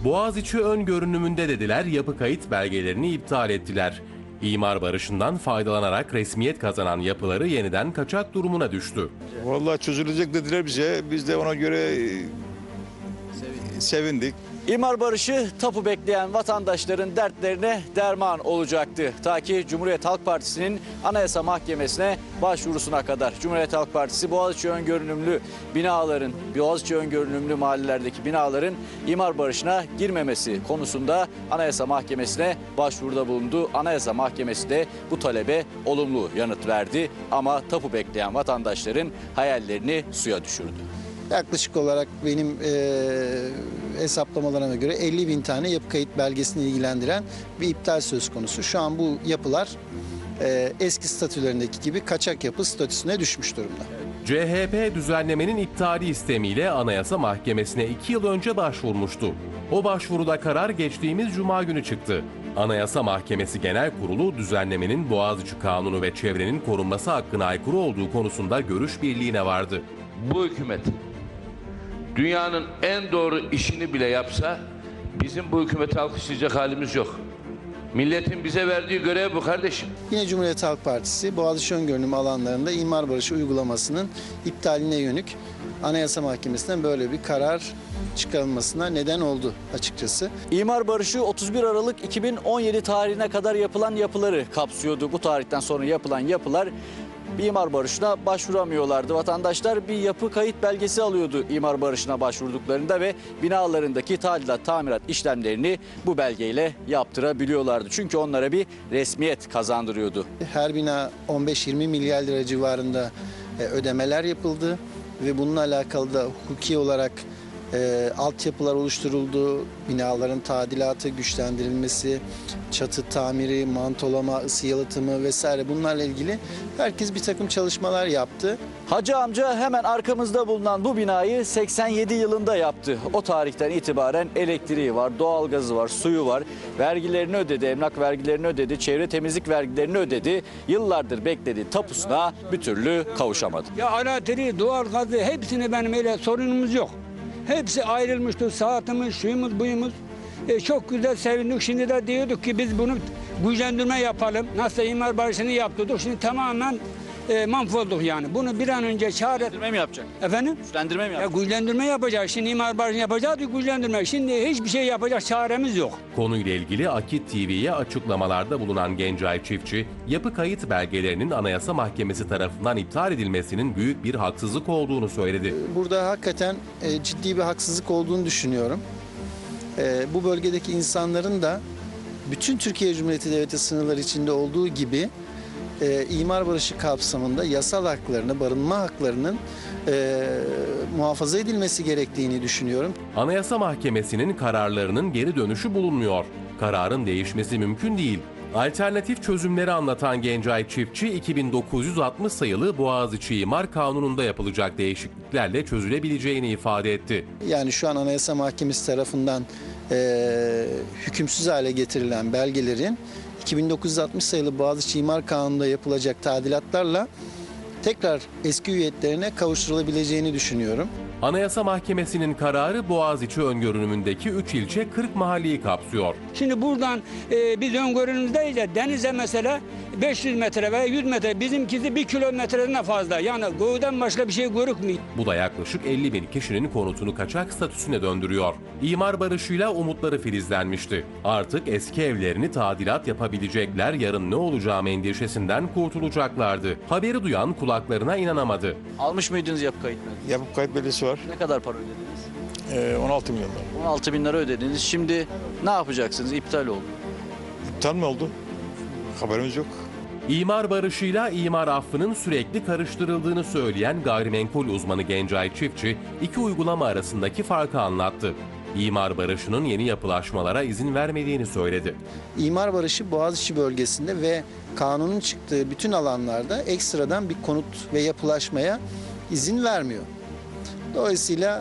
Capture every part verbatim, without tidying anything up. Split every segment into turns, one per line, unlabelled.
Boğaziçi ön görünümünde dediler, yapı kayıt belgelerini iptal ettiler. İmar barışından faydalanarak resmiyet kazanan yapıları yeniden kaçak durumuna düştü.
Vallahi çözülecek dediler bize. Biz de ona göre sevindik.
İmar barışı tapu bekleyen vatandaşların dertlerine derman olacaktı. Ta ki Cumhuriyet Halk Partisi'nin Anayasa Mahkemesi'ne başvurusuna kadar. Cumhuriyet Halk Partisi Boğaziçi öngörünümlü binaların, Boğaziçi öngörünümlü mahallelerdeki binaların imar barışına girmemesi konusunda Anayasa Mahkemesi'ne başvuruda bulundu. Anayasa Mahkemesi de bu talebe olumlu yanıt verdi ama tapu bekleyen vatandaşların hayallerini suya düşürdü.
Yaklaşık olarak benim e, hesaplamalarıma göre elli bin tane yapı kayıt belgesini ilgilendiren bir iptal söz konusu. Şu an bu yapılar e, eski statülerindeki gibi kaçak yapı statüsüne düşmüş durumda.
C H P düzenlemenin iptali istemiyle Anayasa Mahkemesi'ne iki yıl önce başvurmuştu. O başvuruda karar geçtiğimiz Cuma günü çıktı. Anayasa Mahkemesi Genel Kurulu düzenlemenin Boğaziçi Kanunu ve çevrenin korunması hakkına aykırı olduğu konusunda görüş birliğine vardı.
Bu hükümet dünyanın en doğru işini bile yapsa bizim bu hükümeti alkışlayacak halimiz yok. Milletin bize verdiği görev bu kardeşim.
Yine Cumhuriyet Halk Partisi Boğaziçi öngörünüm alanlarında imar barışı uygulamasının iptaline yönük Anayasa Mahkemesi'nden böyle bir karar çıkarılmasına neden oldu açıkçası.
İmar barışı otuz bir Aralık iki bin on yedi tarihine kadar yapılan yapıları kapsıyordu. Bu tarihten sonra yapılan yapılar bir imar barışına başvuramıyorlardı. Vatandaşlar bir yapı kayıt belgesi alıyordu imar barışına başvurduklarında ve binalarındaki tadilat, tamirat işlemlerini bu belgeyle yaptırabiliyorlardı. Çünkü onlara bir resmiyet kazandırıyordu.
Her bina on beş yirmi milyar lira civarında e, ödemeler yapıldı ve bununla alakalı da hukuki olarak e, altyapılar oluşturuldu. Binaların tadilatı, güçlendirilmesi, çatı tamiri, mantolama, ısı yalıtımı vesaire bunlarla ilgili herkes bir takım çalışmalar yaptı.
Hacı amca hemen arkamızda bulunan bu binayı seksen yedi yılında yaptı. O tarihten itibaren elektriği var, doğalgazı var, suyu var. Vergilerini ödedi, emlak vergilerini ödedi, çevre temizlik vergilerini ödedi. Yıllardır beklediği tapusuna bir türlü kavuşamadı.
Ya elektriği, doğalgazı hepsini benim öyle sorunumuz yok. Hepsi ayrılmıştı, saatimiz, şuyumuz, buyumuz. E, çok güzel sevindik. Şimdi de diyorduk ki biz bunu güçlendirme yapalım. Nasıl imar barışını yaptırdık. Şimdi tamamen e, mahvolduk yani. Bunu bir an önce çare...
Güçlendirme mi yapacak?
Efendim?
Güçlendirme mi
Ya
yapacak?
güçlendirme yapacağız. Şimdi imar barışını yapacağız, güçlendirme. Şimdi hiçbir şey yapacak çaremiz yok.
Konuyla ilgili Akit T V'ye açıklamalarda bulunan Gencay Çiftçi, yapı kayıt belgelerinin Anayasa Mahkemesi tarafından iptal edilmesinin büyük bir haksızlık olduğunu söyledi.
Burada hakikaten e, ciddi bir haksızlık olduğunu düşünüyorum. E, bu bölgedeki insanların da bütün Türkiye Cumhuriyeti Devleti sınırları içinde olduğu gibi e, imar barışı kapsamında yasal haklarını, barınma haklarının e, muhafaza edilmesi gerektiğini düşünüyorum.
Anayasa Mahkemesi'nin kararlarının geri dönüşü bulunmuyor. Kararın değişmesi mümkün değil. Alternatif çözümleri anlatan Gencay Çiftçi, iki bin dokuz yüz altmış sayılı Boğaziçi İmar Kanunu'nda yapılacak değişikliklerle çözülebileceğini ifade etti.
Yani şu an Anayasa Mahkemesi tarafından e, hükümsüz hale getirilen belgelerin iki bin dokuz yüz altmış sayılı Boğaziçi İmar Kanunu'nda yapılacak tadilatlarla tekrar eski hüviyetlerine kavuşturulabileceğini düşünüyorum.
Anayasa Mahkemesi'nin kararı Boğaziçi öngörünümündeki üç ilçe kırk mahalleyi kapsıyor.
Şimdi buradan e, biz öngörümüzdeyiz de denize mesela beş yüz metre veya yüz metre, bizimkisi bir kilometreden fazla. Yani göğden başka bir şey görükmüyor.
Bu da yaklaşık elli bin kişinin konutunu kaçak statüsüne döndürüyor. İmar barışıyla umutları filizlenmişti. Artık eski evlerini tadilat yapabilecekler, yarın ne olacağı endişesinden kurtulacaklardı. Haberi duyan kulaklarına inanamadı.
Almış mıydınız yapı kayıt belgesi?
Yapı kayıt belgesi var.
Ne kadar para ödediniz?
Ee, on altı milyon lira.
on altı bin lira ödediniz. Şimdi ne yapacaksınız? İptal oldu.
İptal mi oldu? Haberimiz yok.
İmar barışıyla imar affının sürekli karıştırıldığını söyleyen gayrimenkul uzmanı Gencay Çiftçi, iki uygulama arasındaki farkı anlattı. İmar barışının yeni yapılaşmalara izin vermediğini söyledi.
İmar barışı Boğaziçi bölgesinde ve kanunun çıktığı bütün alanlarda ekstradan bir konut ve yapılaşmaya izin vermiyor. Dolayısıyla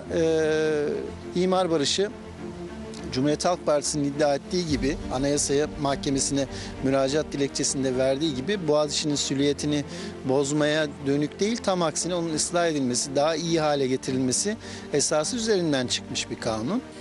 e, imar barışı Cumhuriyet Halk Partisi'nin iddia ettiği gibi, Anayasa Mahkemesi'ne müracaat dilekçesinde verdiği gibi Boğaziçi'nin süliyetini bozmaya dönük değil, tam aksine onun ıslah edilmesi, daha iyi hale getirilmesi esası üzerinden çıkmış bir kanun.